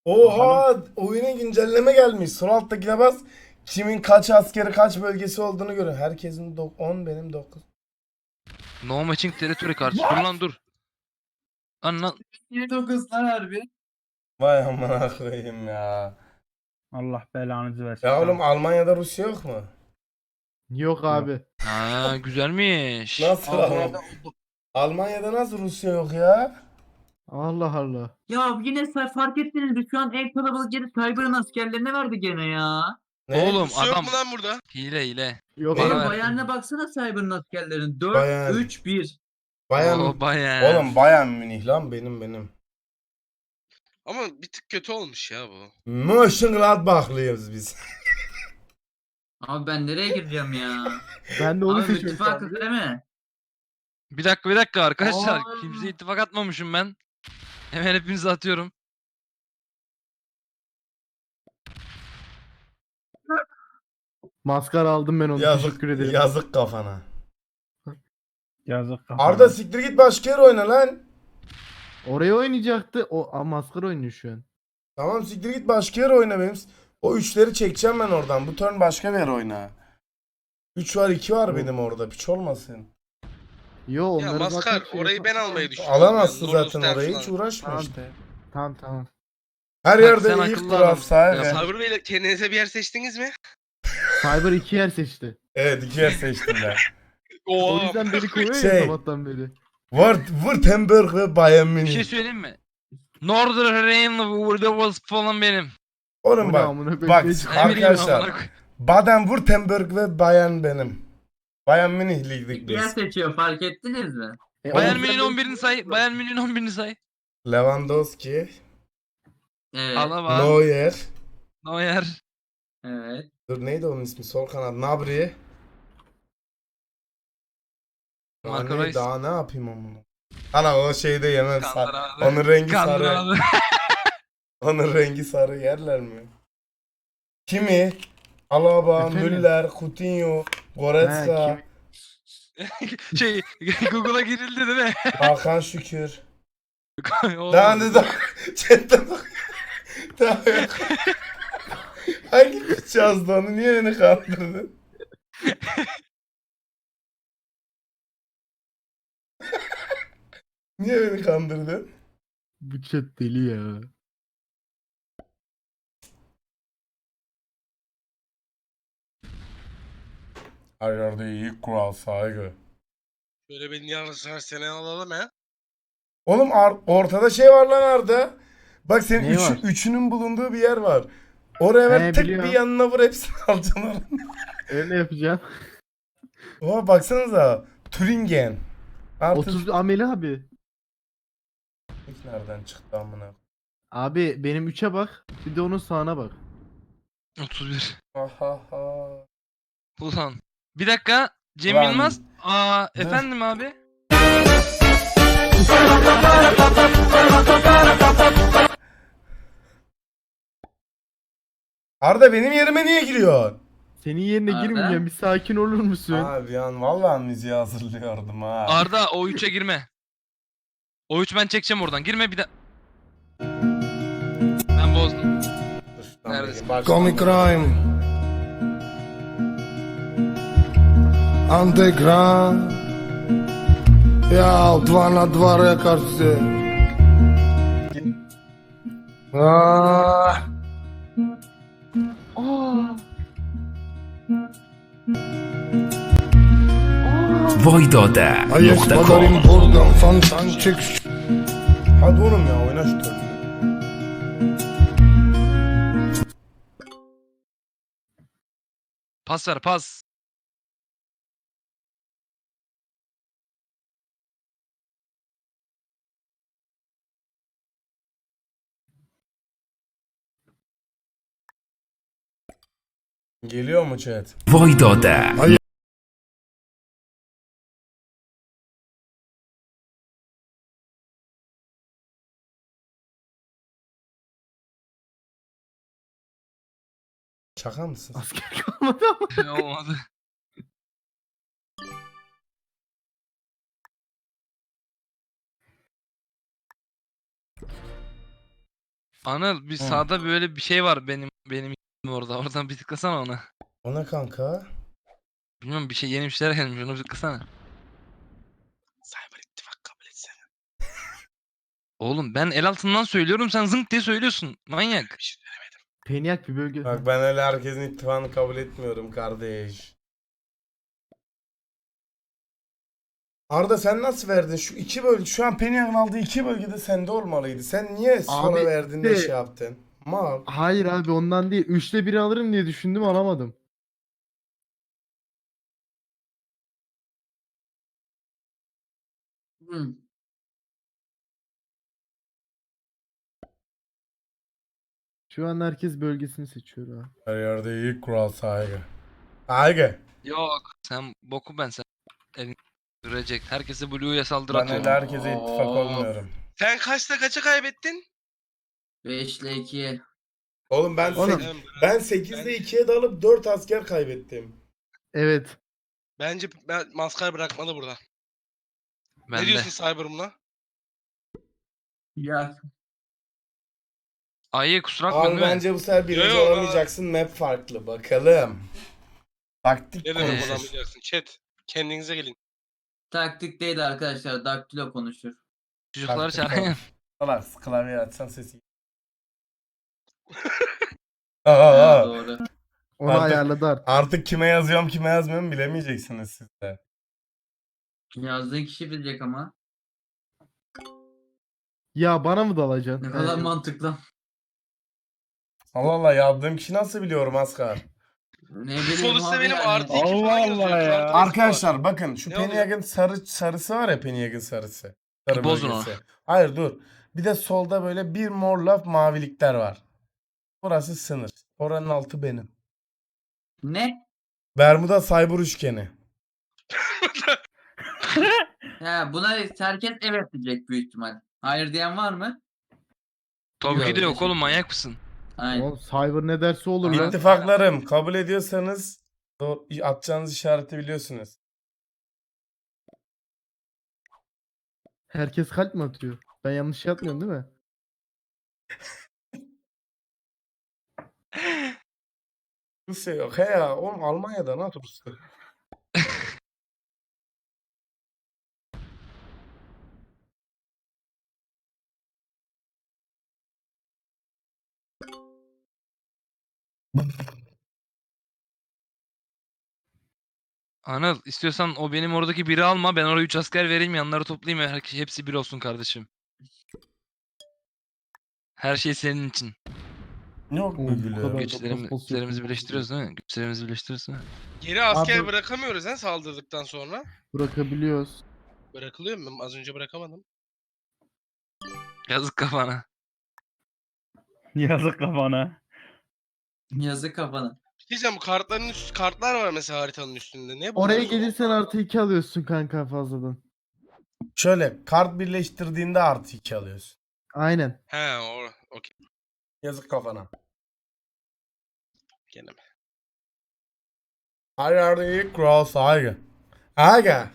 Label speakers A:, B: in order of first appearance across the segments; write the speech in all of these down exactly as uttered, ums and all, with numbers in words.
A: Oha, oyuna güncelleme gelmiş. Sol alttakine bas. Kimin kaç askeri kaç bölgesi olduğunu görün. Herkesin on, benim dokuz.
B: No matching territory karşı. Dur lan dur. Anla.
C: yirmi dokuz lan harbi.
A: Vay amına koyayım ya.
D: Allah belanızı versin.
A: Ya oğlum,
D: Tamam.
A: Almanya'da Rusya yok mu?
E: Yok abi.
B: Ha güzelmiş.
A: Nasıl oğlum?
C: Almanya'da oldu.
A: Almanya'da nasıl Rusya yok ya?
E: Allah Allah.
C: Ya yine sa- fark ettiniz mi? Şu an en kalabalık yeri Cyber'ın askerlerine verdi gene ya.
A: Ne?
B: Oğlum
F: Rusya yok
B: adam
F: mu lan burada?
B: hile hile.
E: Yok
B: Bana
C: Oğlum
B: ver.
E: abi.
C: Bayern'e baksana Cyber'ın askerlerin.
A: Bayern.
C: dört üç bir.
A: Bayern.
B: Oo bayağı.
A: Oğlum Bayern Münih lan, benim benim.
F: Ama bir tık kötü olmuş ya bu.
A: Mönchengladbachlıyız biz.
C: Abi ben nereye gireceğim ya?
E: Ben de onu
C: Abi
E: seçiyorum.
C: ittifakız değil mi?
B: Bir dakika bir dakika arkadaşlar.
C: Aa.
B: Kimseye ittifak atmamışım ben. Hemen hepinizi atıyorum.
E: Maskara aldım ben onu.
A: Yazık,
E: Teşekkür ederim.
A: yazık kafana.
D: Yazık kafana.
A: Arda siktir git başka yer oyna lan.
E: Oraya oynayacaktı. O a, maskara oynuyor şu an.
A: Tamam, siktir git başka yer oyna benim. O üçleri çekeceğim ben oradan. Bu turn başka bir yer oyna. üç var, iki var benim orada. Piç olmasın.
E: Yo onları
F: Ya Maskar
E: zaten şey
F: orayı
E: yap-
F: ben almayı düşünüyorum.
A: Alamazsın
F: Yani
A: zaten
F: Nurulsten
A: orayı.
F: falan.
A: Hiç uğraşma
E: Tamam.
A: işte.
E: Tamam tamam.
A: Her
B: Bak,
A: yerde
B: sen
A: iyi
B: akıllı
A: kural
B: adamsın.
A: sahibi.
B: Ya,
F: Cyber Bey'le kendinize bir yer seçtiniz mi?
E: Cyber iki yer seçti.
A: Evet, iki yer seçtim ben.
E: O
F: Oo.
E: yüzden beni kovuyor
A: Şey.
E: ya sabahtan beri.
A: Wurt- Württemberg ve Bayern
B: Bir şey
A: Münih.
B: söyleyeyim mi? Northern Rhine-Westphalia falan benim.
A: Oğlum
E: Bu ne
A: bak.
E: amına koyayım,
A: Bak
E: ne çıkıyor?
B: Ne bileyim
A: arkadaşlar.
B: amına koy-
A: Baden-Württemberg ve Bayern benim. Bayern Münih'liydik
C: İki yer
A: biz.
C: seçiyor fark ettiniz mi?
E: E,
B: Bayern
E: o yüzden
B: Münih'in
E: beni
B: on birini say. Bayern Münih'in on birini say.
A: Lewandowski,
C: Evet.
B: Alaba.
A: Neuer.
B: Neuer.
C: Evet.
A: Dur, neydi onun ismi? Sol kanat. Nabri. Daha
B: Marco
A: ne,
B: Reus.
A: daha ne yapayım onu? Ana o şeyde yemem.
B: Kandır
A: Sar-
B: abi.
A: Onun rengi
B: Kandır
A: sarı.
B: abi.
A: Onun rengi sarı yerler mi? Kimi? Alaba,
E: Efendim?
A: Müller, Coutinho, Goretzka,
E: Ha,
B: şey Google'a girildi değil mi?
A: Hakan Şükür.
B: Oğlum.
A: Daha ne daha? Chatte bak. Daha yok. Hangi piç yazdı onu? Niye beni kandırdın? Niye beni kandırdın?
E: Bu chat deli ya.
A: Her yerde iyi kural saygı.
F: Böyle beni yarısı her sene alalım he.
A: Oğlum ar- ortada şey var lan Arda. Bak senin
E: Ne
A: üçü-
E: var?
A: üçünün bulunduğu bir yer var. Oraya ver,
E: He,
A: tek
E: biliyorum.
A: bir yanına vur, hepsini alacaksın oradan.
E: Öyle yapacağım.
A: Oha baksanıza. Türingen. Artık
E: otuz Ameli abi.
A: nereden çıktı amına?
E: Abi benim üçe bak. Bir de onun sağına bak.
B: otuz bir.
A: Aha ha.
B: Ulan. Bir dakika. Cem
A: Ulan.
B: Yılmaz. Aa efendim abi.
A: Arda benim yerime niye giriyor?
E: Senin yerine
C: Arda?
E: girmeyeceğim. Bir sakin olur musun?
A: Abi yan vallahi müziği hazırlıyordum ha.
B: Arda o üçe girme. O üç ben çekeceğim oradan. Girme bir de. Ben bozdum.
A: Dur, şuradan
B: Neredesin?
A: bakayım, baştan
G: Comic
A: bakayım.
G: Crime Underground Ja, dva na dva rekar se Ah,
H: Vojdode
G: a jest
H: nokta com
G: padarim buradan Fantancık
A: Hadi oğlum ya, oyna şu türlü.
B: Pas ver pas.
A: Geliyor mu chat?
H: Vojdode
A: Şaka mısın?
E: Asker kalmadı ama.
B: Olmadı. Anıl bir
A: Hı.
B: sağda böyle bir şey var benim benim orada. Oradan bir tıklasana ona.
A: O ne kanka?
B: Bilmiyorum bir şey yeni bir şeyler gelmiş onu bir tıklasana.
F: Cyber ittifak kabul etsene.
B: Oğlum ben el altından söylüyorum sen zınk diye söylüyorsun. Manyak.
F: Bir şey demedim.
E: Peniak bir bölge.
A: Bak ben öyle herkesin ittifakını kabul etmiyorum kardeş. Arda sen nasıl verdin? Şu iki bölge, şu an Penny'nin aldığı iki bölgede sende olmalıydı. Sen niye sonra
E: Abi,
A: verdin de
E: işte-
A: şey yaptın? Mal.
E: Hayır abi ondan değil. Üçte biri alırım diye düşündüm alamadım.
C: Hı.
E: Şu an herkes bölgesini seçiyor ha.
A: Her yerde iyi kural saygı. Saygı.
B: Yok. Sen boku ben sen. Elin sürecek. Herkese Blue'ya saldır
A: Ben
B: atıyor.
A: öyle herkese ittifak
C: Of.
A: olmuyorum.
F: Sen kaçta kaça kaybettin?
C: beş ile iki.
A: Oğlum ben
E: Oğlum.
A: sek- ben sekizde ikiye dalıp dört asker kaybettim.
E: Evet.
F: Bence ben maskara bırakmalı burada.
B: Ben
F: ne
B: de.
F: diyorsun Cyber buna?
C: Ya
B: Ayı kusura bakma
A: Abi
B: değil mi?
A: bence bu sefer birinci
F: Yo, yo,
A: olamayacaksın. Map farklı. Bakalım. Taktik
F: Ne demek
A: konuşur.
F: olamayacaksın? Chat. Kendinize gelin.
C: taktik değil arkadaşlar. Daktilo konuşur.
B: Çocukları
A: Taktik
B: çağırayım.
A: konuş. Salak klavye açsan sesi. Aa,
C: Ha,
A: aa.
C: doğru.
E: Onu
A: Artık-
E: ayarladı artık.
A: Artık kime yazıyorum kime yazmıyorum bilemeyeceksiniz siz de.
C: Yazdığı kişi bilecek ama.
E: Ya bana mı dalacaksın?
C: Ne kadar
E: Ee,
C: mantıklı.
A: Allah Allah yazdığım kişi nasıl biliyorum Askar?
C: Ne bileyim
F: Sonuçta
C: abi
F: benim
C: yani.
F: artı iki
D: Allah
F: falan yazıyor.
D: Allah ya.
F: Kral Tavası
A: Arkadaşlar
F: var.
A: bakın şu
F: Ne
A: Pennyag'ın sarı sarısı var ya Pennyag'ın sarısı. Sarı
B: Bozun
A: bölgesi. Hayır dur. Bir de solda böyle bir mor laf mavilikler var. Burası sınır. Oranın altı benim.
C: Ne?
A: Bermuda Cyber üçgeni.
C: Ya buna herkes evet diyecek büyük ihtimal. Hayır diyen var mı?
B: Tabii ki de yok
C: Yok,
B: oğlum manyak mısın?
C: Aynen.
E: Oğlum Cyber ne derse olur lan.
A: İttifaklarım kabul ediyorsanız do- atacağınız işareti biliyorsunuz.
E: Herkes kalp mi atıyor? Ben yanlış yapmıyorum değil mi?
A: Rusya yok. He ya oğlum Almanya'da nasıl Rusya?
B: Anıl istiyorsan o benim oradaki biri alma ben oraya üç asker vereyim yanları toplayayım her hepsi bir olsun kardeşim. Her şey senin için.
A: Yok
E: Oğlum,
A: mu
E: bu
A: gülüyor?
E: kadar-
B: Güçlerimi,
E: post
B: güçlerimizi
E: yapıyor.
B: birleştiriyoruz değil mi? Güçlerimizi birleştiriyoruz değil mi?
F: Geri asker
E: Abi-
F: bırakamıyoruz ha saldırdıktan sonra.
E: Bırakabiliyoruz.
F: Bırakılıyor mu? Az önce bırakamadım.
B: Yazık kafana.
D: Yazık kafana.
C: Yazık kafana.
F: Bir şey diyeceğim bu kartların üst, kartlar var mesela haritanın üstünde. Ne bu?
E: Oraya gelirsen artı iki alıyorsun kanka fazladan.
A: Şöyle kart birleştirdiğinde artı iki alıyorsun.
E: Aynen.
F: He o okey.
A: Yazık kafana.
F: Gene mi?
A: Her yerde iyi kural saygı. Aga.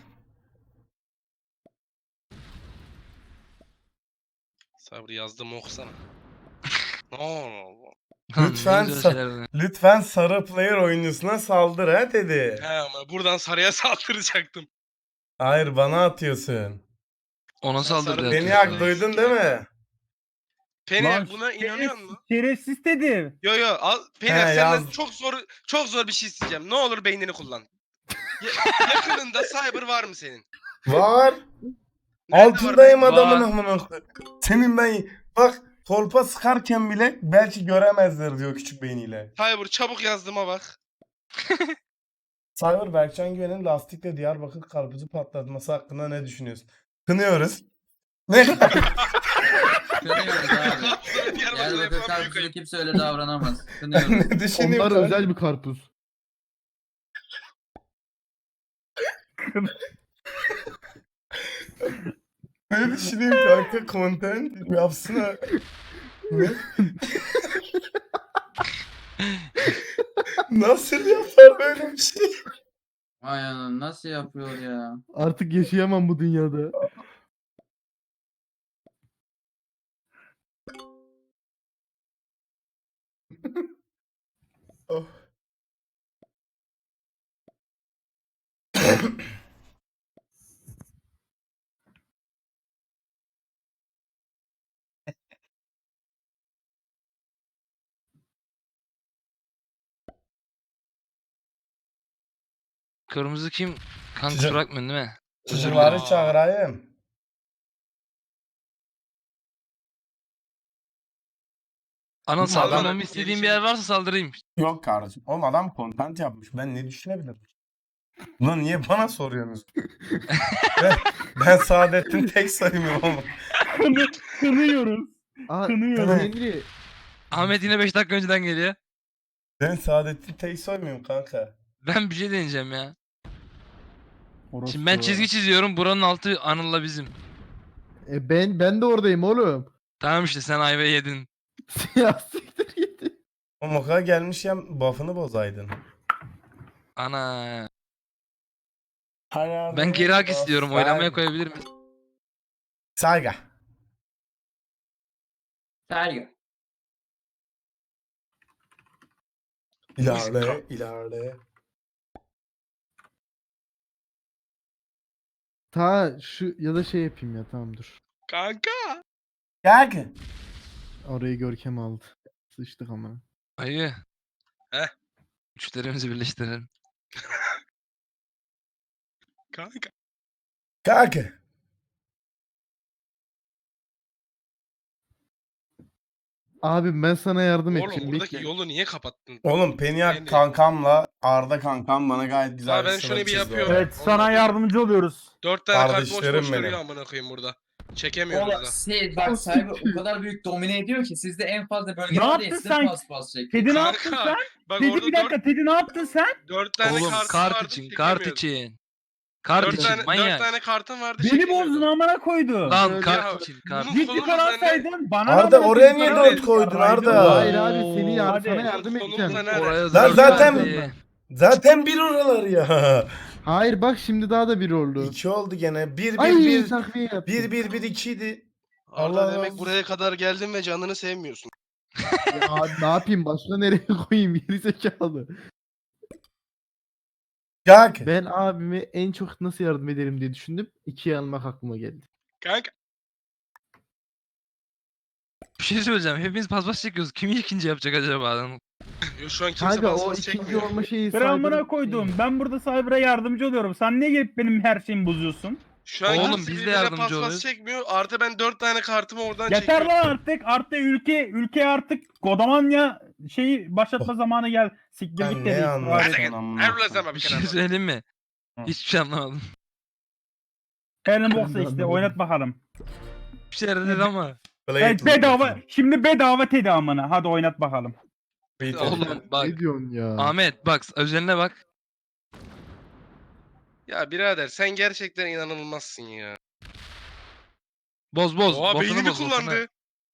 F: Sabri yazdım okusana. Ne oldu?
A: Lütfen
B: Ne güzel
A: sa-
B: şeyler.
A: Lütfen sarı player oyuncusuna saldır ha dedi.
F: He ama buradan sarıya saldıracaktım.
A: Hayır bana atıyorsun.
B: Ona
F: Sen
B: saldırdı.
F: sarı-
A: Beni
F: Beni
A: hak
F: hak
A: duydun değil mi?
F: Penny
D: Lan
F: buna inanıyor
D: şerefsiz-
F: musun?
D: Şerefsiz dedim.
F: Yo yo al Penny
A: He,
F: senden
A: yaz.
F: çok zor çok zor bir şey isteyeceğim. Ne olur beynini kullan. Ya- yakınında cyber var mı senin?
A: Var.
F: Nerede
A: Altındayım
F: var
A: adamın
B: Var.
A: amına koyayım. Senin ben bak kolpa sıkarken bile belki göremezler diyor küçük beyniyle.
F: Cyber çabuk yazdığıma bak.
A: Cyber Berkcan Güven'in lastikle Diyarbakır karpuzu patlatması hakkında ne düşünüyorsun? Kınıyoruz. Ne?
C: Kınıyoruz abi. Diyarbakır karpuzuyla kimse öyle davranamaz. Kınıyoruz.
A: ne düşünüyorsun?
E: Onlar özel bir karpuz.
A: Ne düşünüyorsun kanka? Content yapsana. Ne? Nasıl yapar böyle bir şey?
C: Ay anam nasıl yapıyor ya?
E: Artık yaşayamam bu dünyada.
A: Oh.
B: Kırmızı kim? Kanka
A: Çocuk-
B: bırakmıyorsun değil mi?
A: Çocukları
F: Aa.
A: çağırayım.
B: Anıl
A: Adam-
B: saldırmamı istediğin bir yer varsa saldırayım.
A: Yok kardeşim. Oğlum adam content yapmış. Ben ne düşünebilirim? Ulan niye bana soruyorsunuz? ben, ben Saadettin tek sayımım oğlum.
D: Kını, kınıyoruz.
E: Aa,
D: Kınıyorum.
E: Henry.
B: Ahmet yine beş dakika önceden geliyor.
A: Ben Saadettin tek soymuyum kanka.
B: Ben bir şey deneyeceğim ya.
D: Orospu.
B: Şimdi ben çizgi çiziyorum. Buranın altı Anıl'la bizim.
E: E ben ben de oradayım oğlum.
B: Tamam işte sen ayva yedin.
E: Ya siktir git.
A: O moka gelmişken buff'ını bozaydın.
B: Ana. Ben geri hak istiyorum. Oylamaya koyabilir miyiz?
A: Saygı.
C: Sergi.
A: İlerle, ilerle.
E: Ta şu ya da şey yapayım ya tamam dur.
F: Kanka.
A: Gel.
E: Orayı Görkem aldı. Sıçtık ama.
B: Ayı.
F: Heh.
B: Güçlerimizi birleştirelim.
F: Kanka.
A: Kanka.
E: Abi ben sana yardım
F: Oğlum
E: edeceğim.
F: buradaki
E: bekle.
F: yolu niye kapattın?
A: Oğlum Peniak
F: Yani-
A: kankamla Arda kankam bana gayet güzel
F: Ha, ben
A: bir
F: şunu
A: sınır
F: bir
A: çizdi
F: yapıyorum.
A: orada.
D: Evet sana yardımcı oluyoruz.
F: Dört tane kart boş
A: Kardeşlerim
F: boş duruyor
A: benim.
F: amına koyayım burada. Çekemiyoruz
C: Oğlum
F: da.
C: siz bak Cyber o kadar büyük domine ediyor ki sizde en fazla bölge
D: Ne
C: var
D: yaptın
C: diye size
D: sen?
C: pas pas çekiyor.
D: Teddy ne
F: Kanka,
D: yaptın sen?
F: Bak
D: Teddy
F: orada
D: bir dakika
F: dört,
D: Teddy ne yaptın sen?
F: dört tane
B: Oğlum
F: kartım
B: kart
F: vardı,
B: için, kart
F: çekemiyordum.
B: için. Kart
F: Dört
B: için
F: tane, dört
B: manyak.
F: tane kartım vardı
D: Beni
F: çekemiyordum.
D: bozdun amına koydu.
B: Lan
F: Ya,
B: kart için, kart.
F: bunun
D: Git
F: kolumuz
D: yukarı
F: anne.
D: atsaydın bana
A: Arda,
D: ne
A: oraya
D: yapıyorsun?
A: niye
D: Yukarı
A: dört
D: at.
A: koydun
D: Yarraydı.
A: Arda?
E: Hayır abi seni yar
D: Hadi.
E: sana yardım
F: Kolumuz
E: edeceğim.
F: nerede?
B: Oraya
A: Lan
B: dört
A: zaten-
B: verdi.
A: Zaten bir oralar ya.
E: Hayır bak şimdi daha da bir oldu.
A: İki oldu gene. Bir, bir,
E: Ay
A: bir.
E: takviye yaptım.
A: Bir, bir, bir, ikiydi.
F: Arda
A: Allah
F: demek
A: razı
F: buraya kadar geldin ve canını sevmiyorsun.
E: Ya abi ne yapayım başka nereye koyayım geri zekalı.
A: Kanka.
E: Ben abime en çok nasıl yardım ederim diye düşündüm. İkiye almak aklıma geldi.
F: Kanka.
B: Bir şey söyleyeceğim. Hepimiz paspas çekiyoruz. Kim ikinci yapacak acaba?
F: Yo, şu an kimse
E: Kanka o
F: basması
E: ikinci
F: çekmiyor.
E: olma şeyi
D: Ben
E: Cyber'ın-
D: amına koydum. Ben burada Cyber'a yardımcı oluyorum. Sen niye gelip benim her şeyimi bozuyorsun?
F: Şu an
B: Oğlum,
F: kimse
B: biz de
F: birbirine
B: yardımcı
F: paspas
B: oluyoruz.
F: çekmiyor. Artı ben dört tane kartımı oradan
D: Yeter
F: çekiyorum.
D: lan artık. Artık ülke ülke artık Godamanya şeyi başlatma zamanı gel. Siktir
A: Ben
D: git
A: ne
D: dedi.
F: Hadi
A: anlarsın
F: git.
A: amına
F: Her
A: koyayım.
F: ulaşama bir
B: Bir şey
F: kenara.
B: söyleyeyim mi?
A: Hı.
B: Hiçbir şey anlamadım.
D: Elin
E: Ben de
D: boksa işte
E: anlamadım.
D: oynat bakalım.
B: Bir şeyler dedi ama.
A: Play
D: Evet
A: it,
D: bedava. Şimdi bedava Teddy amına. Hadi oynat bakalım.
A: Beat it.
B: Oğlum bak.
E: Ne diyorsun ya?
B: Ahmet bak özeline bak.
F: Ya birader sen gerçekten inanılmazsın ya.
B: Boz boz.
F: Oha
B: Buff'ını
F: beynini
B: boz, buff'ını.
F: kullandı.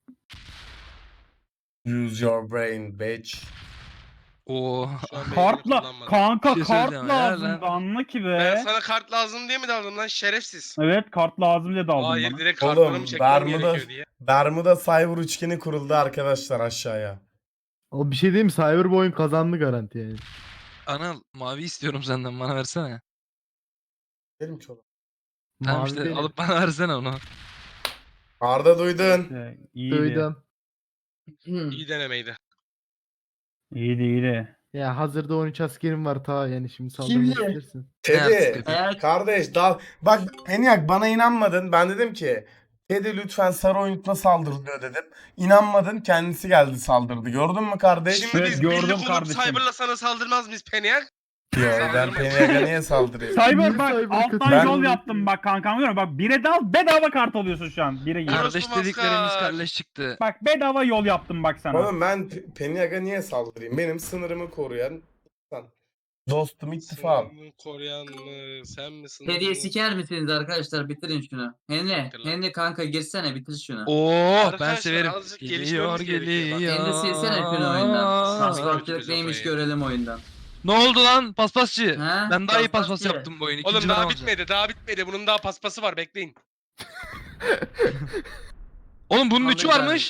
A: Use your brain bitch.
B: Oo.
F: Şu an beynini
D: Kartla
F: kullanmadı.
D: kanka
B: Bir şey
D: kart
B: söyleyeceğim, helal
D: lazım
B: lan.
D: da anla ki
F: Ben
D: be.
F: sana kart lazım diye mi daldım lan şerefsiz?
D: Evet kart lazım diye daldım
F: Hayır
D: bana.
F: direkt kartlarımı
A: Oğlum
F: çekmem
A: Bermuda,
F: gerekiyor diye.
A: Bermuda Cyber üçgeni kuruldu arkadaşlar aşağıya.
E: O bir şey diyeyim mi? Cyber bu oyun kazandı garanti yani.
B: Anıl mavi istiyorum senden bana versene.
A: Benim çoğum.
B: Tamam
E: Mavi
B: işte
E: benim.
B: alıp bana versene onu.
A: Arda duydun.
D: İşte, iyiydi.
E: Duydum.
F: İyi denemeydi.
D: İyiydi iyiydi.
E: Ya hazırda on üç askerim var ta yani şimdi
C: Kim
E: saldırmak
C: ye?
E: istersin.
B: Ne artık
A: Teddy.
B: yapayım?
C: Eğer
A: Kardeş dal. Bak Peniak bana inanmadın. Ben dedim ki Teddy lütfen sarı oyuntuna saldır diyor dedim. İnanmadın kendisi geldi saldırdı. Gördün mü kardeş?
F: Şimdi
D: Evet,
F: biz
D: gördüm
F: birlik olup
D: kardeşim.
F: Cyber'la sana saldırmaz mıyız Peniak?
A: Yo, ben Peniak'a niye saldırayım?
E: Niye
D: Cyber bak
E: Cyber
D: alttan
E: katılıyor?
D: yol
A: Ben-
D: yaptım bak kankam görüyor musun? Bak bire dal bedava kart alıyorsun şu an. Bire gir.
F: Orası
B: Kardeş
F: maskar.
B: dediklerimiz kardeş çıktı.
D: Bak bedava yol yaptım bak sana.
A: Oğlum ben P- Peniak'a niye saldırayım? Benim sınırımı koruyan insan. Dostum ittifak.
F: Sınırını koruyan mı? Sen misin?
C: Teddy'yi siker misiniz arkadaşlar? Bitirin şunu. Henry,
F: Bitir lan.
C: Henry kanka girsene bitir şunu.
B: Oo ben
F: Arkadaşlar,
B: severim.
F: azıcık
B: Geliyor
F: gelişmemiz gerekiyor. Bak,
B: geliyor.
C: Henry silsene şunu oyundan.
F: Aa.
C: Paspartçılık neymiş görelim oyundan.
B: Ne oldu lan paspasçı?
C: Ha?
B: Ben daha iyi paspas
C: Paspasçı.
B: yaptım bu oyunu.
F: Oğlum
B: İkinci
F: daha
B: ben olacağım.
F: bitmedi, daha bitmedi. Bunun daha paspası var, bekleyin.
B: Oğlum bunun
C: Ahmet
B: üçü
C: abi.
B: varmış.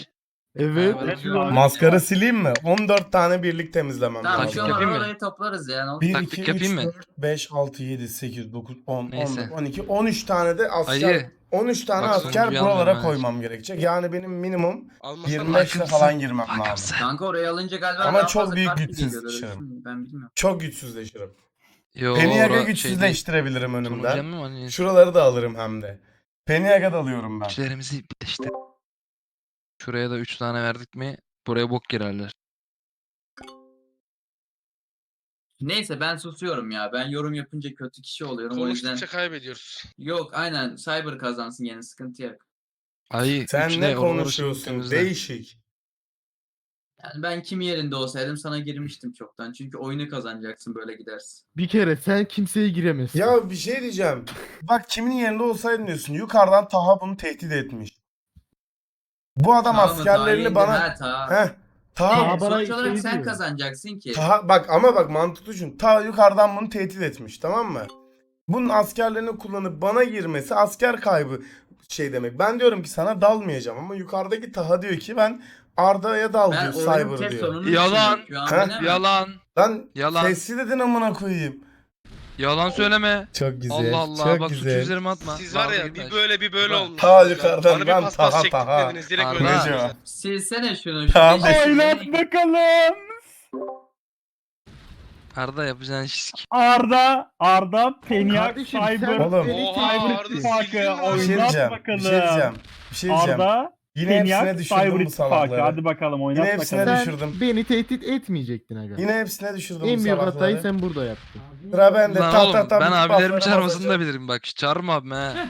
E: Evet.
C: Ha,
D: Evet,
C: şu an-
A: Maskara sileyim mi? on dört tane birlik temizlemem
C: Tamam
B: Taktik
C: şu
A: lazım.
C: an
B: yapayım mı?
C: orayı toplarız yani.
A: bir,
B: Taktik
A: iki, üç,
B: yapayım mı?
A: dört, beş, altı, yedi, sekiz, dokuz, on, on
B: Neyse.
A: dört, on iki, on üç tane de asker,
B: Ayı.
A: on üç tane
B: Bak
A: asker
B: sonuncuyu
A: buralara
B: almıyorum ha.
A: koymam gerekecek. Yani benim minimum
F: Almasan
A: yirmi beşle
B: Bakımsın,
A: falan girmem lazım.
B: bakımsın.
C: Kanka orayı alınca galiba
A: Ama
C: daha
A: çok
C: fazla
A: büyük
C: kart mı
A: güçsüz
C: geliyor, öyle
A: dışarı.
C: bir şey mi? Ben bilmiyorum.
A: Çok güçsüzleşirim.
B: Yo,
A: Peniaga
B: ora- şey değil.
A: güçsüzleştirebilirim önümden.
B: Sunucuya mı hani
A: Şuraları da alırım hem de. Peniaga da alıyorum ben.
B: güçlerimizi işte. Şuraya da üç tane verdik mi buraya bok girerler.
C: Neyse ben susuyorum ya. Ben yorum yapınca kötü kişi oluyorum. O yüzden
F: konuştukça kaybediyoruz.
C: yok aynen Cyber kazansın yani sıkıntı yok.
B: Ay
A: Sen
B: üç
A: ne
B: oraları
A: konuşuyorsun?
B: temizle.
A: Değişik.
C: Yani ben kim yerinde olsaydım sana girmiştim çoktan. Çünkü oyunu kazanacaksın böyle gidersin.
E: Bir kere sen kimseye giremezsin.
A: Ya bir şey diyeceğim. Bak kimin yerinde olsaydın diyorsun. Yukarıdan Taha bunu tehdit etmiş. Bu adam
C: Tamam mı?
A: askerlerini
C: Tarihinde-
A: bana...
C: Ha, ta.
A: Heh. Taha,
E: Taha
C: Evet,
E: bana
C: sonuç olarak
E: şey
C: sen
E: diyor.
C: kazanacaksın ki.
A: Taha bak ama bak mantıklı düşün. Taha yukarıdan bunu tehdit etmiş, tamam mı? Bunun askerlerini kullanıp bana girmesi asker kaybı şey demek. Ben diyorum ki sana dalmayacağım ama yukarıdaki Taha diyor ki ben Arda'ya dal
C: Ben
A: diyor,
C: oyunun
A: Cyber
C: tek
A: diyor.
C: sonunu
B: Yalan.
C: düşünüyorum. Şu an
A: Ha?
C: bilemem.
B: Yalan.
A: Lan
B: Yalan.
A: sessiz dedin amına koyayım.
B: Yalan söyleme.
A: Çok güzel.
B: Allah Allah
A: çok
B: bak suçu
A: güzel.
B: üzerime atma.
F: Siz var ya
B: Dalga
F: bir
B: geçme.
F: böyle bir böyle
B: Taha.
F: olmuş.
A: Taha yukarıdan, ben
F: paspas
A: Taha,
F: çektik
A: Taha.
F: dediniz, direkt
B: Arda.
F: öyle
A: Neco.
F: yaptınız.
C: Silsene şunu. şu
A: Tamam.
C: beşi-
D: Oynat bakalım.
B: Arda yapacağın iş.
D: Arda, Arda, Peniak,
E: Kardeşim
D: Cyber,
A: Oğlum.
E: sen beni
F: Oha,
E: tehdit
F: Arda
E: ettin.
F: sildin mi?
D: İttifakı
A: Bir şey
D: oynat
A: diyeceğim.
D: bakalım.
A: Bir şey diyeceğim. Bir şey diyeceğim.
D: Arda,
A: Yine hepsine
D: Peniak,
A: düşürdüm
D: Cyber
A: bu
D: İttifakı.
A: salakları.
D: Hadi bakalım oynat
A: Yine hepsine
D: bakalım.
E: Sen
A: düşürdüm.
E: beni tehdit etmeyecektin aga.
A: Yine hepsine düşürdüm
E: En
A: bu
E: büyük
A: salakları.
E: hatayı sen burada yaptın.
A: Sıra bende.
B: Lan
A: Ta
B: oğlum
A: ta ta
B: ben
A: bu
B: abilerimi
A: buffları
B: çağırmasını
A: basacağım.
B: da bilirim bak. Çağırma abime he.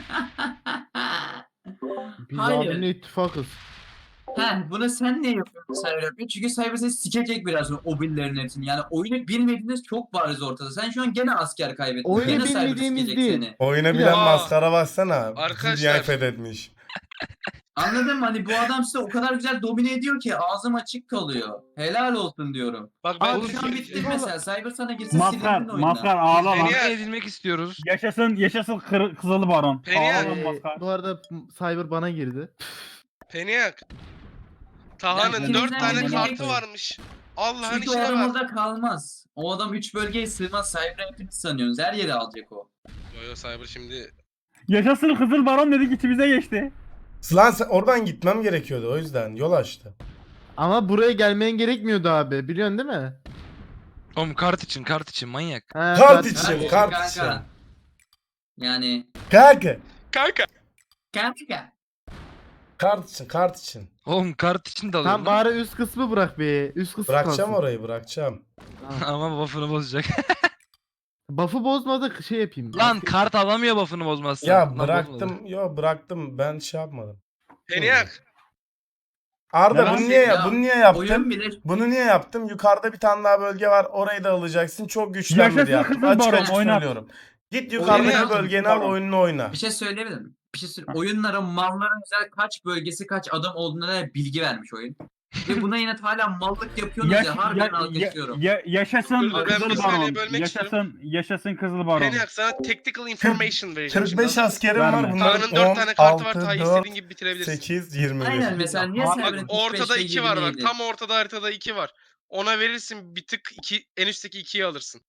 E: Biz
C: Hayır.
E: abimle ittifakız.
C: Heh, bunu sen ne yapıyorsun Cyber yapıyor? Çünkü Cyber seni sikecek biraz sonra o billerin hepsini. Yani oyunu bilmediğiniz çok bariz ortada. Sen şu an gene asker kaybettin.
E: Oyunu
C: gene Cyber
E: bilmediğimiz
C: sikecek
E: değil.
C: seni.
A: Oyuna
E: Bir
A: bilen
F: daha-
A: maskara bassana.
F: Arkadaşlar.
A: Dünyayı fethetmiş.
C: Anladın mı? Hani bu adam size o kadar güzel domine ediyor ki ağzım açık kalıyor. Helal olsun diyorum.
F: Bak ben
C: Abi şu an bitti mesela. Cyber sana girse
D: Maskar,
C: silindin oyundan.
D: Maskar ağla lan.
F: Peniak.
B: Ne edilmek istiyoruz?
D: Yaşasın, yaşasın kır, Kızılı Baron.
F: Peniak.
D: Ağla lan
E: Ee,
D: Maskar.
E: bu arada Cyber bana girdi.
F: Peniak. Taha'nın
C: Yani
F: dört
C: ikinizden
F: tane
C: birini
F: kartı
C: bekle.
F: varmış. Allah'ın
C: Çünkü o
F: işine
C: adam
F: bak.
C: orada kalmaz. O adam üç bölgeye sığmaz. Cyber'ı hepiniz sanıyorsunuz. Her yere alacak o.
F: Yo yo Cyber şimdi.
D: Yaşasın Kızıl Baron dedik içimize geçti.
A: Lan sen- oradan gitmem gerekiyordu o yüzden. Yol açtı.
E: Ama buraya gelmen gerekmiyordu abi. Biliyorsun değil mi?
B: Oğlum kart için kart için manyak.
E: Ha,
A: Kart
E: zaten-
A: için,
C: Kardeşim,
A: kart
C: kanka.
A: için.
C: Yani
A: Kanka.
F: Kanka.
C: kanka.
A: Kart için, kart için.
B: Oğlum kart için de alıyorum.
E: Tam bari üst kısmı bırak be. Üst kısmı
A: Bırakacağım
E: kalsın.
A: orayı, bırakacağım.
B: Ama buff'ını bozacak.
E: Buff'ı bozmadık şey yapayım.
B: Lan kart alamıyor buff'ını bozmazsan.
A: Ya
B: Lan bozmadı.
A: bıraktım, yo bıraktım. Ben şey yapmadım.
F: Peniak.
A: Arda
D: Neden?
A: bunu niye
C: Ya,
A: bunu niye yaptın?
C: Oyun bile
A: Bunu niye yaptım? Yukarıda bir tane daha bölge var. Orayı da alacaksın. Çok güçlenmedi
D: Yaşasın
A: yaptım.
D: kızıl
A: Açık
D: baron,
A: açık
D: oynat.
A: söylüyorum. Git yukarıdaki
C: Oynayalım,
A: bölgeni
D: kızıl
A: al,
D: baron.
A: oyununu oyna.
C: bir şey söyleyebilir miyim? Bir şey söyle. Oyunlara malların özel kaç bölgesi kaç adam olduğuna dair bilgi vermiş oyun. Ve buna yine hala mallık yapıyorsunuz
D: Yaş,
C: ya.
D: ya,
C: Harbiden
D: ya,
C: alkışlıyorum.
D: ya, yaşasın
F: Dur, dur, ben bir
D: Kızıl
F: saniye
D: Baron.
F: bölmek
D: Yaşasın, yaşasın Kızıl Baron.
F: Peniak sana tactical information vereceğim
A: kırk beş
F: şimdi.
A: askerim
D: Verme.
A: var. Bunların
F: Taha'nın dört
A: on,
F: tane kartı var.
A: altı,
F: Taha'yı
A: dört,
F: istediğin gibi bitirebilirsin.
A: sekiz, yirmi bir.
C: Aynen mesela niye
D: Bak,
C: Cyber'ın
F: Bak ortada
C: beşte
F: iki var bak.
C: yirmi yedi?
F: Tam ortada haritada iki var. Ona verirsin bir tık iki en üstteki ikiyi alırsın.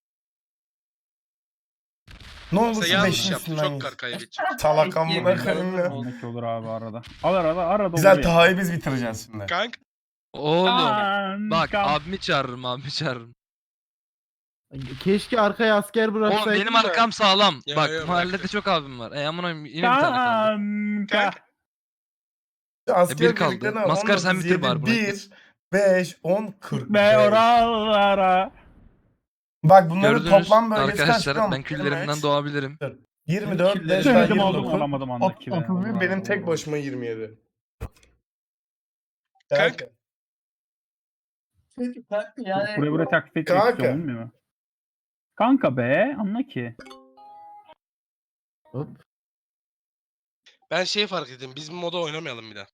A: Ne
F: Yoksa
A: olursa
F: yanlış
A: beşin
F: yaptı.
A: üstünden
F: Çok
A: git.
F: kar kaybedecek.
A: Çalak amına koyayım ya.
D: Demek olur abi arada. Al arada, arada
A: Güzel
D: oluyor.
A: Taha'yı biz bitireceğiz şimdi.
F: Kanka.
B: Oğlum.
D: Kanka.
B: Bak abimi çağırırım abimi çağırırım.
E: Keşke arkaya asker bıraksaydın.
B: Oğlum benim
E: da.
B: arkam sağlam.
F: Ya,
B: Bak
F: ya,
B: mahallede
F: bırak.
B: çok abim var. E amına yine bir tane kaldı.
D: Kanka.
A: Asker
B: bir kaldı.
A: birliklerine
B: Maskar sen
A: on dokuz,
B: bitir bari
A: yedi,
B: bunu.
A: bir, beş, on, kırk.
D: Be oralara.
A: Bak bunların
B: Gördünüz
A: toplam bölgesi kaç
B: arkadaşlar
A: biliyor
B: ben
A: musun?
B: küllerimden
A: Üç,
B: doğabilirim.
A: yirmi dört, beş,
C: Küllerim
D: Söyledim
A: yirmi
D: aldım
A: dokuz,
D: alamadım
A: ot-
D: andaki be.
A: otuz bir, benim tek
D: Allah.
A: başıma yirmi yedi.
F: Kanka.
C: Çünkü kanka yani
D: Buraya buraya taklit etmek
A: Kanka.
D: istiyorum bilmiyor mu? Kanka be anla ki.
E: Hop.
F: Ben şeyi fark ettim. Biz bu moda oynamayalım bir daha.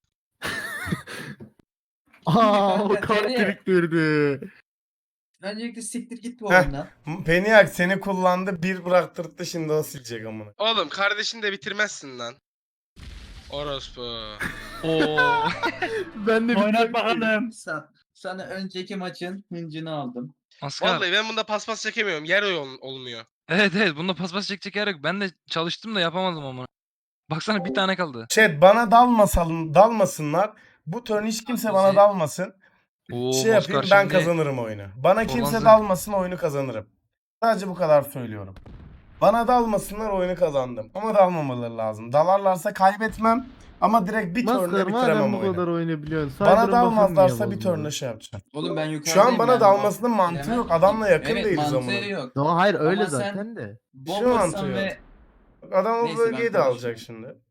E: Aa o
C: Kanka,
E: kart
C: seni-
E: biriktirdi.
C: öncelikle siktir git bu
A: Heh.
C: oyundan.
A: Peniak seni kullandı, bir bıraktırdı, şimdi o silecek amına.
F: Oğlum kardeşini de bitirmezsin lan. Orospu.
B: Oo.
E: Ben de bir
D: Oynat bakalım.
C: Sen, sana önceki maçın hıncını aldım.
B: Maskar.
F: Vallahi ben bunda paspas çekemiyorum. Yer ol- olmuyor.
B: Evet evet bunda paspas çekecek yer yok. Ben de çalıştım da yapamadım ama. Baksana bir tane kaldı.
A: Chat bana dalmasalım, dalmasınlar. Bu turn hiç kimse bana
C: Bizi-
A: dalmasın.
B: Oo,
A: Şey yapayım
B: Maskar
A: ben
B: şimdi
A: kazanırım oyunu. Bana kimse
B: Orlanzı-
A: dalmasın oyunu kazanırım. Sadece bu kadar söylüyorum. Bana dalmasınlar oyunu kazandım. Ama dalmamaları lazım. Dalarlarsa kaybetmem. Ama direkt bir turnla
E: Maskar
A: bitiremem
E: madem bu
A: oyunu.
E: kadar oynayabiliyorsun.
A: Bana
E: Cyber'ın buff'ını niye
A: dalmazlarsa bir
E: bozdun?
A: turnla şey yapacağım.
C: Oğlum ben yukarıdayım.
A: Şu an bana
C: yani.
A: dalmasının mantığı
C: Bilemem
A: yok.
C: ki.
A: Adamla yakın
C: evet,
A: değiliz
C: mantığı
A: ama.
C: yok.
E: No, hayır öyle
C: Ama sen-
E: zaten de.
A: mantığı
C: Bombasan
A: yok.
C: ve
A: Adam o
C: Neyse,
A: bölgeyi
C: ben
A: de alacak
C: konuşmayayım.
A: şimdi.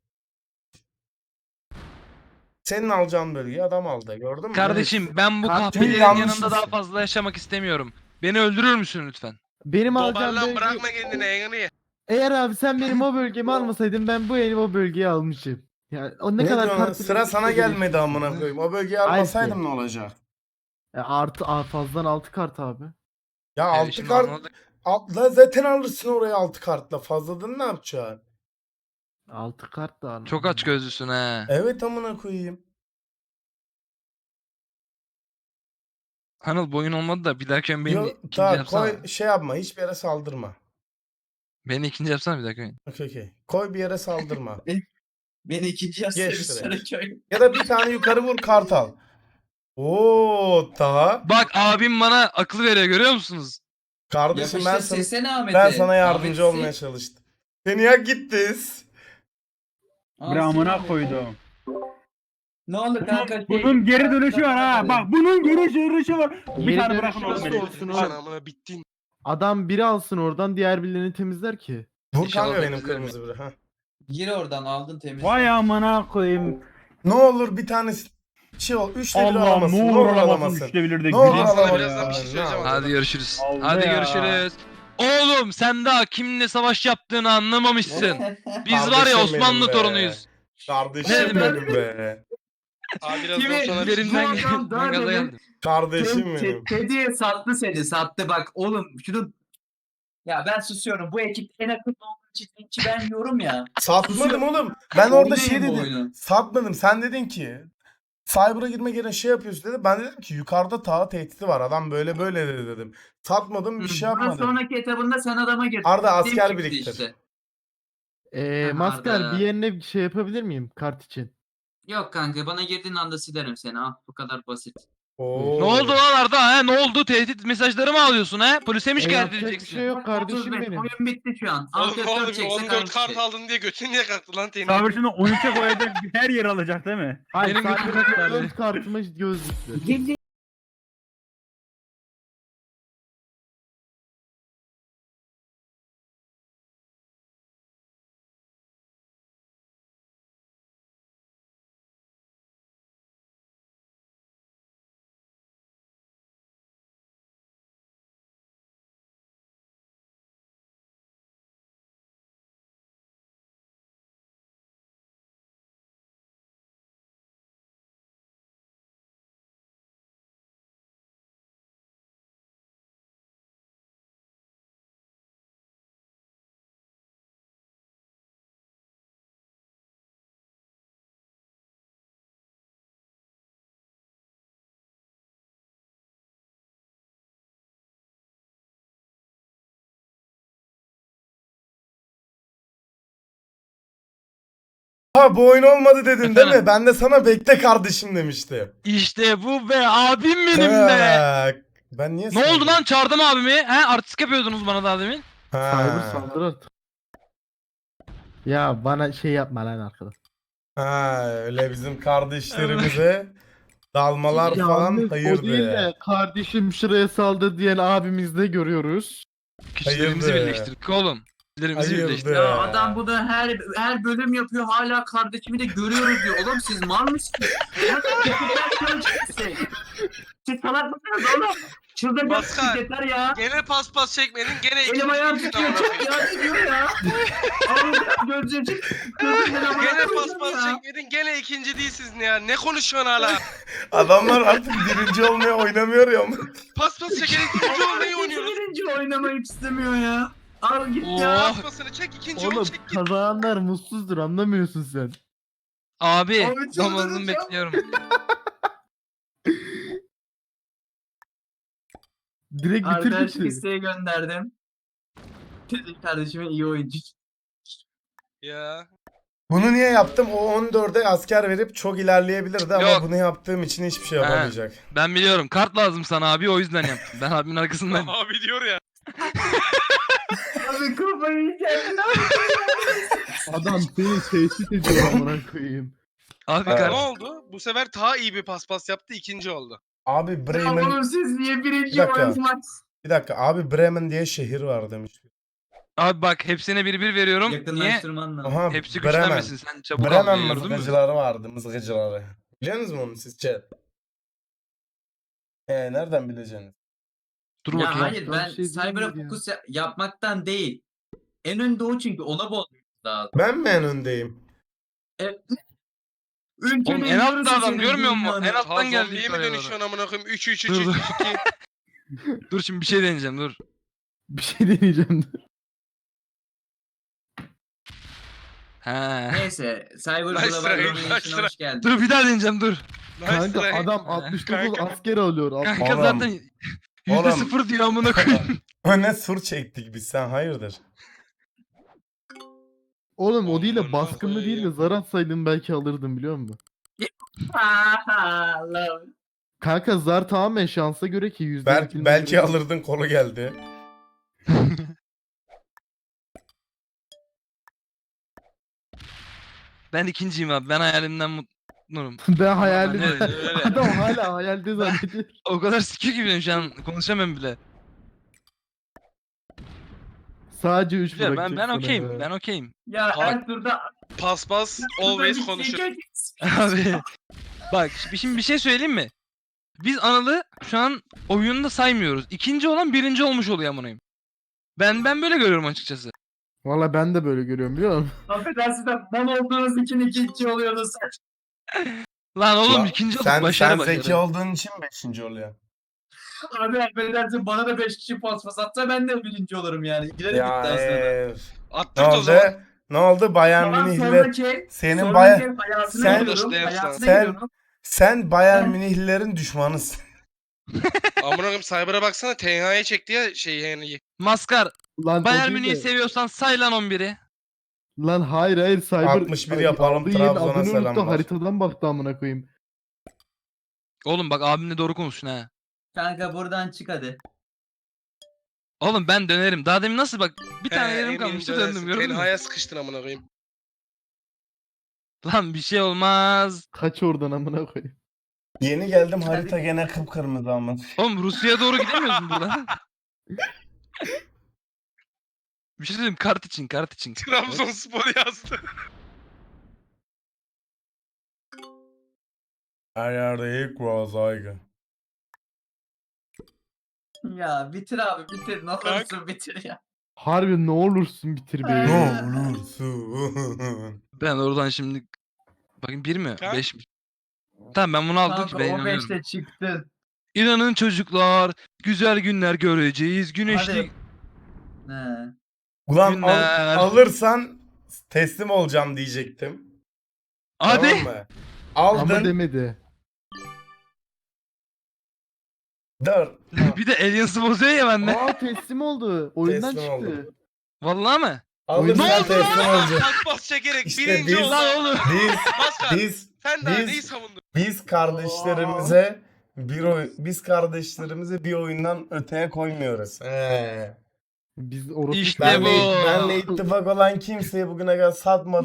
A: Senin alacağın bölgeyi adam aldı. Gördün mü?
B: kardeşim ben bu
E: Kart-
B: kahpelerin
A: Yanlış
B: yanında daha
A: mısın?
B: fazla yaşamak istemiyorum. Beni öldürür müsün lütfen?
E: Benim alacağım
F: Dobarlan
E: bölge...
F: bırakma kendini Engri.
E: Eğer abi sen benim o bölgemi almasaydın ben bu yeni o bölgeyi almışım. Yani o ne,
A: Ne,
E: kadar
A: diyorsun lan?
E: kart
A: Sıra sana
E: biriktirse
A: gelmedi
E: gelişti.
A: amına koyayım. O bölgeyi
E: Hayır
A: almasaydım
E: ki.
A: ne olacak?
E: E, artı a, fazladan altı kart abi.
A: Ya
B: Evet,
A: altı
B: şimdi
A: kart
B: anladık.
A: Altla zaten alırsın oraya altı kartla. Fazladan ne yapacaksın?
E: altı kart da aldım.
B: Çok aç gözlüsün he.
A: Evet amına koyayım.
B: Anıl boyun olmadı da bir dahaki oyun beni
A: Yo,
B: ikinci
A: ta,
B: yapsana.
A: koy şey yapma. Hiçbir yere saldırma.
B: Beni ikinci yapsana bir dahaki oyun.
A: Okey okey. Koy bir yere saldırma.
C: beni ikinci
A: Geç
C: yazsaydı
A: direkt.
C: sonra köy.
A: Ya da bir tane yukarı vur kart al. Oo daha.
B: Bak abim bana akıl veriyor görüyor musunuz?
A: Kardeşim ben
C: Yapıştır
A: sana,
C: sesini Ahmet'e.
A: ben sana yardımcı
C: Ahmet
A: olmaya
C: sil.
A: çalıştım. Seni ya gittiz.
C: Aa,
D: Bir amına
C: sil.
D: koydum.
C: Ne oldu kanka?
D: Bunun,
C: Şey-
D: bunun geri dönüşü var ha. Bak bunun geri dönüşü var. Bir
E: Geri
D: tane
E: dönüşü
D: bırakın oğlum
E: nasıl
D: beni.
E: olsun
F: Sen
E: o?
F: amına bittin.
E: Adam biri alsın oradan diğer birilerini temizler ki.
A: Vur
B: İnşallah
A: kanka benim
B: temizlerim.
A: kırmızı biri. Ha.
C: Gir oradan aldın temiz.
D: Vay amına koyayım.
A: Ne olur bir tane şey ol. Üçte bir
D: Allah'ım
A: alamasın.
D: ne
A: Ne
D: olur
A: olur
D: alamasın
A: alamasın.
D: üçte bilir de
A: Ne olur
D: güleyim
F: Sana
D: sana
A: alamasın.
F: birazdan bir şey
D: ya.
F: söyleyeceğim ama.
B: Hadi görüşürüz.
D: Oldu
B: Hadi
D: ya.
B: görüşürüz. Oğlum sen daha kiminle savaş yaptığını anlamamışsın. Biz var ya
A: Kardeşim
B: Osmanlı
A: benim be.
B: torunuyuz.
A: Kardeşim
B: Ne
A: benim be.
F: Abi birazdan
C: Kimi-
F: sana bir şey
B: Üzerimden
C: Bu adam
B: geldim.
C: daha
B: Gaza
C: demin-
B: geldim.
A: Kardeşim benim.
C: Kediye sattı seni sattı bak oğlum şunu. Ya ben susuyorum bu ekip en akıllı olduğu için linçi ben yiyorum ya.
A: Satmadım oğlum. Ben orada şey
C: Oynayın bu
A: dedim.
C: oyunu.
A: Satmadım. Sen dedin ki Cyber'a girmek yerine şey yapıyorsun dedi. Ben dedim ki yukarıda ta tehdidi var. Adam böyle böyle dedi dedim. Satmadım bir şey
C: Bundan
A: yapmadım.
C: sonraki etabında sen adama girdin.
A: Arda
C: Kim
A: asker
C: çıktı
A: biriktir.
C: işte.
E: Eee
C: Aha,
E: Maskar
C: Arda.
E: bir yerine bir şey yapabilir miyim kart için?
C: Yok kanka bana girdiğin anda silerim seni ah bu kadar basit.
A: Oo.
B: Ne oldu lan Arda ha? Ne oldu? Tehdit mesajları mı alıyorsun ha? Polise mi
E: E,
B: şikayet
E: yapacak bir
B: edeceksin?
E: şey yok kardeşim
C: otuz beş,
E: benim.
C: oyun bitti şu an.
F: Oğlum
C: Alt
F: ne
C: F
F: oldu
C: dört
F: bir
C: çekse
F: on dört
C: kalmış
F: kart
C: şey.
F: aldın diye götün niye kalktı lan senin?
D: Sabır şimdi oyunca koyacak her yer alacak değil mi?
E: Hayır
B: Benim
E: sadece
B: götüm-
E: dört kartıma gözlüklü.
A: Ha bu oyun olmadı dedin değil mi?
B: Efendim?
A: Ben de sana bekle kardeşim demiştim.
B: İşte bu be abim benim be.
A: Ha, Ben niye
B: Ne oldu
A: sordum?
B: lan çağırdım abimi? He artistik yapıyordunuz bana daha demin.
A: Ha.
E: Cyber saldır artık. Ya bana şey yapma lan arkadaş.
A: Ha öyle bizim kardeşlerimize dalmalar falan
E: Yalnız o değil
A: hayırdır.
E: de kardeşim şuraya saldı diyen abimiz de görüyoruz.
B: Güçlerimizi
A: Hayırdır.
B: birleştirdik oğlum. Güçlerimizi
A: Hayırdır.
B: birleştirdik.
C: Ya adam bunu her her bölüm yapıyor hala kardeşimi de görüyoruz diyor. Oğlum siz mal mısınız? Siz salak mısınız oğlum? Çıldıracaksınız
F: Maskar.
C: yeter ya.
F: Gene paspas çekmedin gene
C: Elim
F: ikinci
C: ayağım
F: değilsin
C: titriyor
F: amına
C: çok
F: koyayım.
C: ya diyor ya. Allah'ım gözüm gözümden amına
F: Gene
C: koyayım
F: paspas
C: ya.
F: çekmedin gene ikinci değilsiniz ya. Ne konuşuyorsun hala?
A: Adamlar artık birinci olmaya oynamıyor ya.
F: Paspas çekerek ikinci olmayı oynuyoruz.
C: Birinci oynamayı istemiyor ya. Al git ya.
B: Oh.
F: Paspasını çek ikinci ol
E: Oğlum
F: çek git.
E: kazananlar mutsuzdur anlamıyorsun sen.
B: Abi
C: Abi
B: namazını
C: çıldıracağım.
B: bekliyorum.
E: Direkt
C: Arkadaşlık
E: bitirdik.
C: isteği gönderdim. Teddy kardeşime iyi oyuncu.
F: Ya.
A: Bunu niye yaptım? O on dörde asker verip çok ilerleyebilirdi ama
B: Yok.
A: bunu yaptığım için hiçbir şey
B: Ha.
A: yapamayacak.
B: Ben biliyorum. Kart lazım sana abi o yüzden yaptım. Ben abimin arkasındayım.
F: Abi diyor ya.
C: Abi kafayı yiyeceğim.
E: Adam seni tehdit ediyor amına koyayım.
B: Abi
A: Evet.
F: Ne
B: kart.
F: oldu? Bu sefer daha iyi bir paspas yaptı. İkinci oldu.
A: Abi
C: Ya
A: Bremen...
C: oğlum siz niye
A: Bir
C: birinci
A: dakika.
C: oynamaz?
A: Bir dakika abi Bremen diye şehir var demiş.
B: Abi bak hepsine bir bir veriyorum. Niye?
C: Yakınlaştırman lazım.
A: Aha
B: Hepsi
A: Bremen.
B: güçlenmesin. Sen çabuk al
A: Bremen
B: diye gördün mü?
A: mızıkacıları vardı mızıkacıları. Biliyor musunuz onu siz chat? Ee, nereden bileceksiniz?
B: Dur
C: Ya
B: bakayım.
C: hayır
E: Ben
C: ben
E: şey
C: Cyber'a
E: diyeyim ya.
C: fokus ya- yapmaktan değil. En önde o çünkü ona bozmamız lazım.
A: Ben mi en öndeyim?
C: Ülkenin
B: Oğlum en altta
C: yarısı
B: adam
C: senin
B: görmüyor musun?
C: dünyanın.
B: En alttan
F: Ha
B: geldi.
F: zombiye mi
B: yukarıya doğru.
F: dönüşüyorsun amına koyayım? üç üç üç
B: Dur,
F: üç
B: dur.
F: iki.
B: Dur şimdi bir şey deneyeceğim dur.
E: Bir şey deneyeceğim.
B: He.
C: Neyse Cyber
F: Nice
C: Global
F: try,
C: Domination'a
F: nice
C: hoş geldin.
B: Dur bir daha deneyeceğim dur.
F: Nice
E: Kanka
F: try.
E: adam altmış dokuz
F: Kanka.
E: asker alıyor. altmış-
B: Kanka
A: Oğlum.
B: zaten yüzde
A: Oğlum.
B: sıfır diyor amına koyayım.
A: Öne sur çektik biz sen hayırdır?
E: Oğlum o değil de
F: Amına
E: baskınlı değil de
F: koyayım.
E: zar atsaydım belki alırdım biliyor musun?
C: Allah'ım.
E: Kanka zar tamamen şansa göre ki yüzde
A: Belki, belki alırdın kolu geldi.
B: Ben ikinciyim abi. Ben hayalimden mutluyum.
E: Ben hayalde
B: Evet,
F: öyle.
E: adam hala hayalde zannediyor.
B: O kadar sikiyor ki benim şu an konuşamam bile.
E: Sadece üç
B: Güzel,
E: bırakacak
B: ben ben
E: sana
B: okeyim.
E: be.
B: Ben okeyim.
C: Ya
F: Bak.
C: her turda
F: Paspas always konuşur.
B: Abi bak şi- şimdi bir şey söyleyeyim mi? Biz Anıl'ı şu an oyunda saymıyoruz. İkinci olan birinci olmuş oluyor amına koyayım. Ben ben böyle görüyorum açıkçası.
E: Valla ben de böyle görüyorum biliyor musun?
C: Affedersin de mal olduğunuz için ikinci oluyorsunuz.
B: Lan oğlum
A: Lan,
B: ikinci olduk
A: sen,
B: başarı
A: sen
B: başarı.
A: zeki olduğun için beşinci oluyor.
C: Abi affedersin bana da beş kişi pas pas atsa ben de birinci olurum yani. Gidelim
A: Ya
C: iddiasına da.
A: eee, ne
F: Attırt o zaman.
A: oldu? Ne oldu Bayern
C: Tamam
A: Münih'le?
C: sonraki,
A: Senin
C: sonraki
A: baya-
C: hayatına
A: sen-
C: gidiyorum,
F: Sen-
C: hayatına
A: sen-
C: gidiyorum.
A: Sen Bayern
C: Ben-
A: Münihlilerin düşmanısın.
F: Amına koyayım Cyber'a baksana T H'ye çekti ya şey yani.
B: Maskar
E: Lan o
B: Bayern
E: değil
B: Münih'i
E: de-
B: seviyorsan say lan on biri.
E: Lan hayır hayır Cyber
A: altmış bir yapalım,
E: aldığı yerin
A: Trabzon'a
E: adını unuttu,
A: selamlar.
E: haritadan baktı amına koyayım.
B: Oğlum bak abimle doğru konuşun ha.
C: Kanka buradan çık hadi.
B: Oğlum ben dönerim. Daha demin nasıl bak bir tane
F: He,
B: yerim
F: eminim
B: kalmıştı
F: dönersin.
B: döndüm gördün
F: T
B: mü?
F: H'ye sıkıştın amına koyayım.
B: Lan bir şey olmaz.
E: Kaç oradan amına koyayım.
A: Yeni geldim harita gene kıpkırmızı ama.
B: Oğlum Rusya'ya doğru gidemiyorsun buradan. Bir şey söyleyeyim kart için kart için.
F: Trabzonspor yazdı.
A: Her yerde ilk var saygı.
C: Ya bitir abi bitir. Ne olursun bitir ya.
E: Harbi ne olursun bitir be.
C: Ay.
A: Ne olursun.
B: Ben oradan şimdi bakayım bir mi?
F: Kaç?
B: Beş mi? Tamam ben bunu aldım ki
C: Kanka
B: ben
C: o
B: inanıyorum.
C: beşte çıktın.
B: İnanın çocuklar güzel günler göreceğiz. Güneşli
C: Hadi. He.
A: Ulan al-
B: günler.
A: alırsan teslim olacağım diyecektim.
B: Hadi.
A: Tamam mı?
E: Ama
A: Aldın.
E: demedi.
A: Dur.
B: Bir de Aliens'ı bozuyor ya bende.
E: Aa teslim oldu. Oyundan
A: Teslim
E: çıktı.
A: oldu.
B: Vallahi mı?
A: Alırsan
B: Ne oldu
A: teslim olacak.
F: Paspas çekerek
A: İşte
F: birinci
A: biz-
F: oldu.
B: Lan oğlum.
A: Biz
F: Maskar
A: biz
F: sen daha
A: biz-
F: neyi savundun?
A: biz kardeşlerimize bir oy biz kardeşlerimizi bir oyundan öteye koymuyoruz. He.
E: Biz orası
B: İşte
A: Benle,
B: bu.
A: benle ittifak olan kimseye bugüne kadar satmadım.